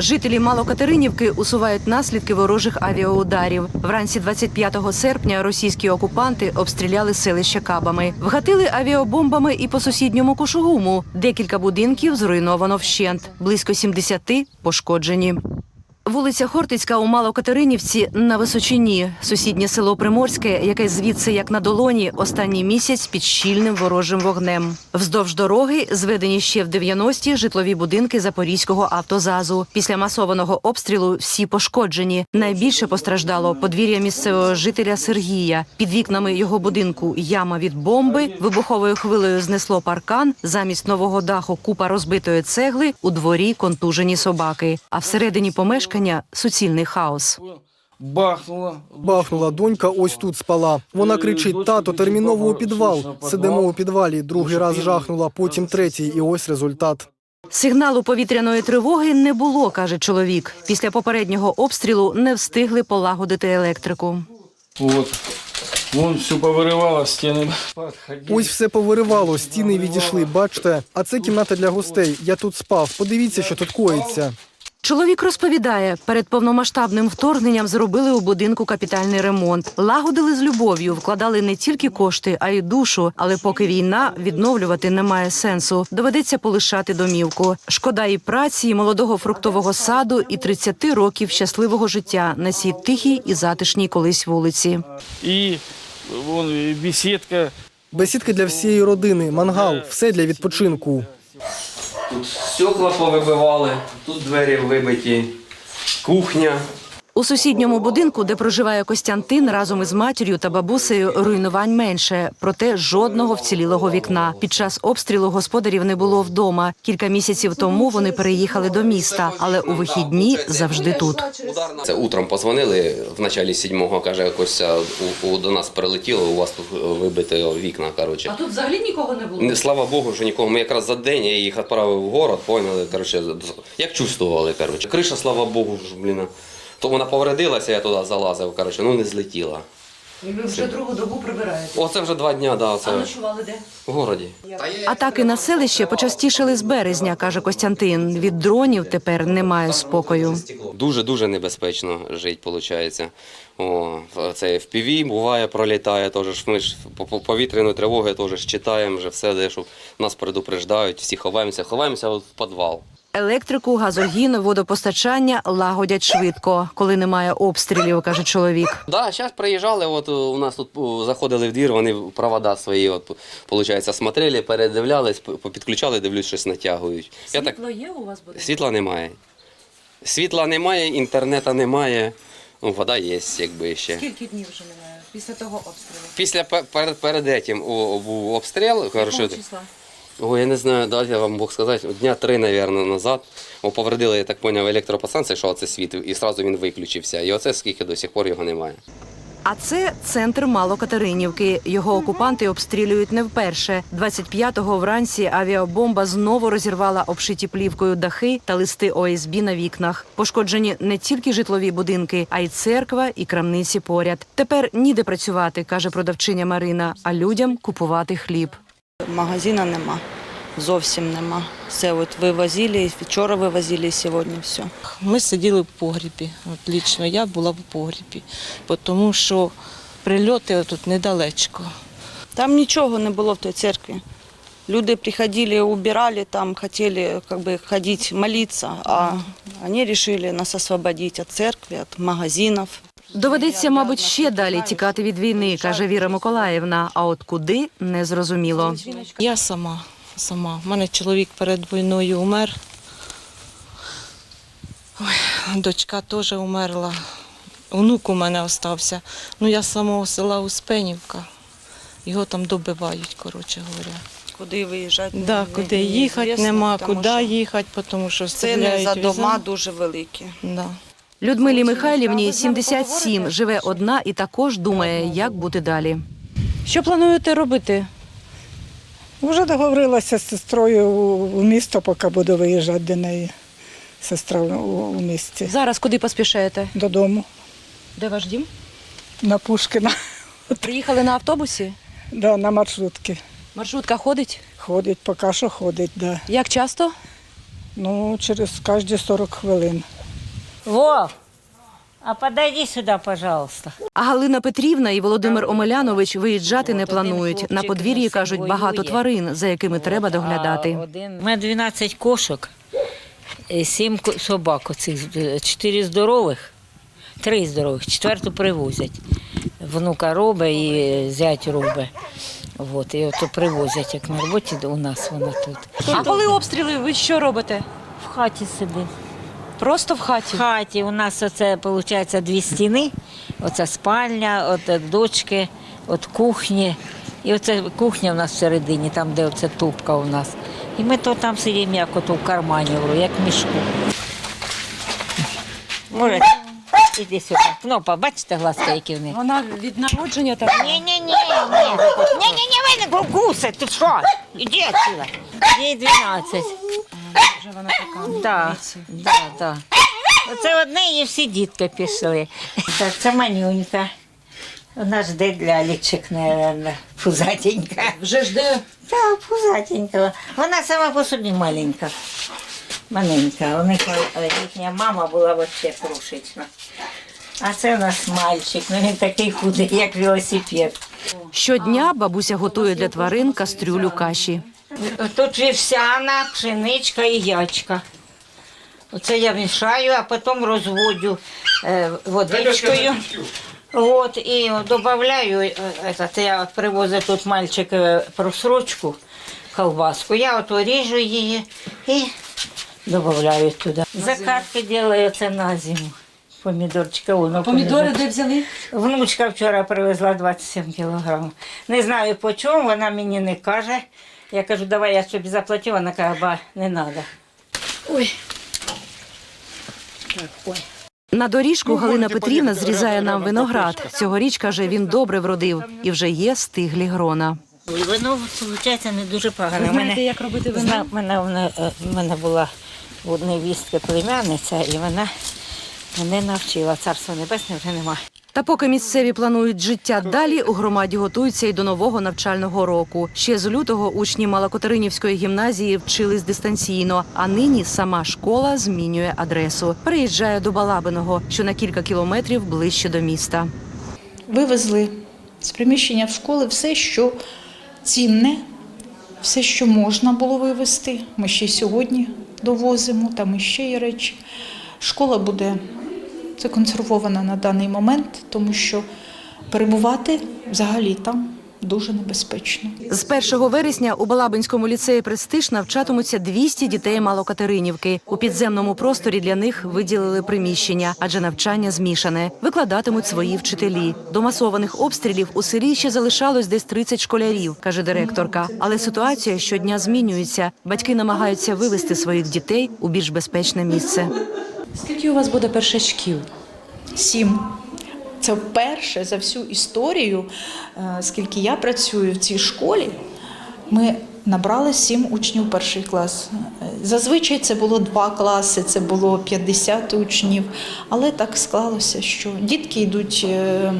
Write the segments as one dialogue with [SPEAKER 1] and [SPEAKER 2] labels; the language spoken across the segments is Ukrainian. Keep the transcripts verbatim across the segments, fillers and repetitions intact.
[SPEAKER 1] Жителі Малокатеринівки усувають наслідки ворожих авіаударів. Вранці двадцять п'ятого серпня російські окупанти обстріляли селище кабами. Вгатили авіабомбами і по сусідньому Кушугуму. Декілька будинків зруйновано вщент. Близько сімдесяти пошкоджені. Вулиця Хортицька у Малокатеринівці на височині. Сусіднє село Приморське, яке звідси як на долоні, останній місяць під щільним ворожим вогнем. Вздовж дороги зведені ще в дев'яності житлові будинки Запорізького автозазу. Після масованого обстрілу всі пошкоджені. Найбільше постраждало подвір'я місцевого жителя Сергія. Під вікнами його будинку яма від бомби, вибуховою хвилею знесло паркан, замість нового даху купа розбитої цегли, у дворі контужені собаки. А всередині помешкання суцільний хаос.
[SPEAKER 2] Бахнула.
[SPEAKER 3] Бахнула донька, ось тут спала. Вона кричить: тато, терміново у підвал. Сидимо у підвалі, другий раз жахнула, потім третій, і ось результат.
[SPEAKER 1] Сигналу повітряної тривоги не було, каже чоловік. Після попереднього обстрілу не встигли полагодити електрику.
[SPEAKER 2] От. Вон все повиривало, стіни.
[SPEAKER 3] Ось все повиривало, стіни відійшли, бачите? А це кімната для гостей. Я тут спав. Подивіться, що тут коїться.
[SPEAKER 1] Чоловік розповідає, перед повномасштабним вторгненням зробили у будинку капітальний ремонт. Лагодили з любов'ю, вкладали не тільки кошти, а й душу. Але поки війна, відновлювати немає сенсу. Доведеться полишати домівку. Шкода і праці, і молодого фруктового саду, і тридцяти років щасливого життя на цій тихій і затишній колись вулиці.
[SPEAKER 2] І вон бесідка.
[SPEAKER 3] Бесідка для всієї родини, мангал, все для відпочинку.
[SPEAKER 4] Тут стекла повибивали, тут двері вибиті, кухня.
[SPEAKER 1] У сусідньому будинку, де проживає Костянтин, разом із матір'ю та бабусею руйнувань менше. Проте жодного вцілілого вікна. Під час обстрілу господарів не було вдома. Кілька місяців тому вони переїхали до міста, але у вихідні завжди тут.
[SPEAKER 4] Це утром позвонили, в началі сьомого, каже, Костя, у, у, до нас прилетіло, у вас тут вибите вікна, коротше.
[SPEAKER 1] А тут взагалі нікого не було?
[SPEAKER 4] Слава Богу, що нікого. Ми якраз за день, я їх відправив в город, поняли, коротше, як чувствували, коротше. Криша, слава Богу, блін. То вона повредилася, я туди залазив, коротше, ну не злетіла.
[SPEAKER 1] І ви вже другу добу прибираєте?
[SPEAKER 4] Оце вже два дня, да, це.
[SPEAKER 1] А ночували де?
[SPEAKER 4] В городі.
[SPEAKER 1] Атаки на селище почастішали з березня, каже Костянтин. Від дронів тепер немає спокою.
[SPEAKER 4] Дуже-дуже небезпечно жити, виходить. О, це еф пі ві буває, пролітає, теж. Ми ж по повітряної тривоги теж читаємо, вже все, де, що нас предупреждають, всі ховаємося, ховаємося в підвал.
[SPEAKER 1] Електрику, газогін, водопостачання лагодять швидко, коли немає обстрілів, каже чоловік.
[SPEAKER 4] Так, да, зараз приїжджали, от у нас тут заходили в двір, вони провода свої, от, виходить, смотрели, передивлялись, підключали, дивлюсь, щось натягують.
[SPEAKER 1] Світло є у вас буде?
[SPEAKER 4] Світла немає. Світла немає, інтернету немає, ну, вода є, якби ще.
[SPEAKER 1] Скільки днів вже немає після того обстрілу?
[SPEAKER 4] Після, перед, перед цим був обстріл.
[SPEAKER 1] Якого числа?
[SPEAKER 4] Ой, я не знаю, дайте вам Бог сказати, дня три, мабуть, назад. О, повредили, я так зрозумів, електропостанцію, що оце світив, і одразу він виключився. І оце скільки до сих пор його немає.
[SPEAKER 1] А це центр Малокатеринівки. Його окупанти обстрілюють не вперше. двадцять п'ятого вранці авіабомба знову розірвала обшиті плівкою дахи та листи о ес бі на вікнах. Пошкоджені не тільки житлові будинки, а й церква і крамниці поряд. Тепер ніде працювати, каже продавчиня Марина, а людям купувати хліб.
[SPEAKER 5] Магазину нема, зовсім нема. Все от вивозили, вчора вивозили, сьогодні все.
[SPEAKER 6] Ми сиділи в погрібі, от лічно я була в погрібі, тому що прильоти тут недалечко.
[SPEAKER 5] Там нічого не було в той церкві. Люди приходили, убирали, там хотіли как бы, ходити, молитися, а вони вирішили нас освободити від церкви, від магазинів.
[SPEAKER 1] Доведеться, мабуть, ще далі тікати від війни, каже Віра Миколаївна. А от куди – незрозуміло.
[SPEAKER 6] Я сама, сама. У мене чоловік перед війною умер. Ой, дочка теж умерла. Внук у мене залишився. Ну, я з самого села Успенівка. Його там добивають, коротше говоря.
[SPEAKER 5] Куди виїжджати?
[SPEAKER 6] Да, куди їхати нема, куди їхати, тому що
[SPEAKER 5] ціни за дома дуже великі.
[SPEAKER 6] Да.
[SPEAKER 1] Людмилі Михайлівні сімдесят сім, живе одна і також думає, як бути далі. Що плануєте робити?
[SPEAKER 7] Вже договорилася з сестрою у місто, поки буду виїжджати до неї. Сестра у місті.
[SPEAKER 1] Зараз куди поспішаєте?
[SPEAKER 7] Додому.
[SPEAKER 1] Де ваш дім?
[SPEAKER 7] На Пушкіна.
[SPEAKER 1] Приїхали на автобусі?
[SPEAKER 7] Да, на маршрутки.
[SPEAKER 1] Маршрутка ходить?
[SPEAKER 7] Ходить, поки що ходить, да.
[SPEAKER 1] Як часто?
[SPEAKER 7] Ну, через кожні сорок хвилин.
[SPEAKER 8] Вов, а подойди сюда, пожалуйста.
[SPEAKER 1] А Галина Петрівна і Володимир Омелянович виїжджати не планують. На подвір'ї, кажуть, багато тварин, за якими треба доглядати.
[SPEAKER 8] У мене дванадцять кошок, сім собак, оцих, чотири здорових, три здорових, четверту привозять. Внука робить і зять робить. От, і ото привозять, як на роботі у нас вона тут.
[SPEAKER 9] А коли обстріли, ви що робите?
[SPEAKER 8] В хаті сидить.
[SPEAKER 9] Просто в хаті?
[SPEAKER 8] В хаті у нас оце, виходить, дві стіни. Оце спальня, от дочки, от кухні. І оце кухня у нас всередині, там, де оце тупка у нас. І ми то там сидимо, як ото в кармані, як в мішку. Може, іди сюди. Кнопа, бачите, глазки, які в них?
[SPEAKER 9] Вона від народження така?
[SPEAKER 8] Ні-ні-ні, ні. Ні-ні-ні, ви не гуси, ти що? Іди отсюда. Їй дванадцять.
[SPEAKER 9] Вже вона така.
[SPEAKER 8] Так, так, так. Оце одне і всі дітки пішли. Так, це манюнька. Вона жде для лічик, мабуть, пузатенька.
[SPEAKER 9] Вже жде?
[SPEAKER 8] Так, пузатенька. Вона сама по собі маленька. Маленька. У них е, їхня мама була взагалі крошечна. А це у нас мальчик, ну він такий худий, як велосипед.
[SPEAKER 1] Щодня бабуся готує для тварин кастрюлю каші.
[SPEAKER 8] Тут вівсяна, пшеничка і ячка. Оце я мішаю, а потім розводю е, водичкою. От, і додаю, е, этот, я привозив тут мальчик е, просрочку, колбаску. Я от ріжу її і додаю туди. Закатки роблю це на зиму. Помідорчика. Воно,
[SPEAKER 9] Помідори де взяли?
[SPEAKER 8] Внучка вчора привезла двадцять сім кілограмів. Не знаю по чому, вона мені не каже. Я кажу, давай я тобі заплатю, вона каже, ба, не треба. Ой. Так, ой.
[SPEAKER 1] На доріжку Галина Петрівна зрізає нам виноград. Цьогоріч, каже, він добре вродив і вже є стиглі грона.
[SPEAKER 8] Вино, виходить, не дуже погано.
[SPEAKER 9] Ви знаєте,
[SPEAKER 8] Мене-
[SPEAKER 9] як робити вино?
[SPEAKER 8] Зна- мене, мене, мене була у невістки племянниця, і вона мене навчила. Царство небесне вже немає.
[SPEAKER 1] Та поки місцеві планують життя далі, у громаді готуються й до нового навчального року. Ще з лютого учні Малокатеринівської гімназії вчились дистанційно, а нині сама школа змінює адресу. Переїжджає до Балабиного, що на кілька кілометрів ближче до міста.
[SPEAKER 10] Вивезли з приміщення в школи все, що цінне, все, що можна було вивезти. Ми ще й сьогодні довозимо, там іще є речі. Школа буде законсервована на даний момент, тому що перебувати взагалі там дуже небезпечно.
[SPEAKER 1] З першого вересня у Балабинському ліцеї «Престиж» навчатимуться двісті дітей Малокатеринівки. У підземному просторі для них виділили приміщення, адже навчання змішане. Викладатимуть свої вчителі. До масованих обстрілів у селі ще залишалось десь тридцять школярів, каже директорка. Але ситуація щодня змінюється. Батьки намагаються вивести своїх дітей у більш безпечне місце.
[SPEAKER 9] Скільки у вас буде першачків?
[SPEAKER 10] Сім. Це вперше за всю історію, е, скільки я працюю в цій школі, ми набрали сім учнів перший клас. Е, Зазвичай це було два класи, це було п'ятдесят учнів, але так склалося, що дітки йдуть е,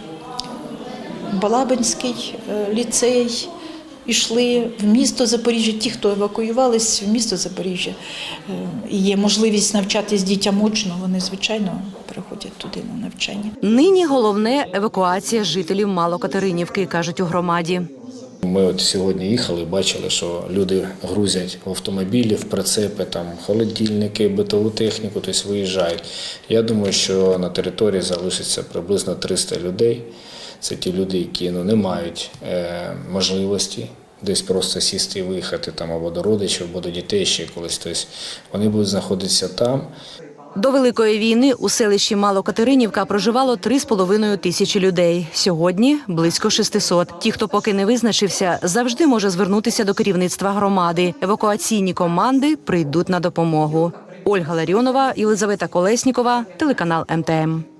[SPEAKER 10] в Балабинський е, ліцей, йшли в місто Запоріжжя, ті, хто евакуювались в місто Запоріжжя. Е, І є можливість навчатись дітям очно, вони, звичайно, приходять туди на навчання.
[SPEAKER 1] Нині головне – евакуація жителів Малокатеринівки, кажуть у громаді.
[SPEAKER 11] Ми от сьогодні їхали, бачили, що люди грузять в автомобілі, в прицепи, там холодильники, битову техніку, тобто виїжджають. Я думаю, що на території залишиться приблизно триста людей. Це ті люди, які ну, не мають е, можливості десь просто сісти і виїхати там або до родичів, або до дітей ще колись. Тобто вони будуть знаходитися там.
[SPEAKER 1] До Великої війни у селищі Малокатеринівка проживало три з половиною тисячі людей. Сьогодні – близько шестисот. Ті, хто поки не визначився, завжди може звернутися до керівництва громади. Евакуаційні команди прийдуть на допомогу. Ольга Ларіонова, Єлизавета Колеснікова, телеканал ем те ем.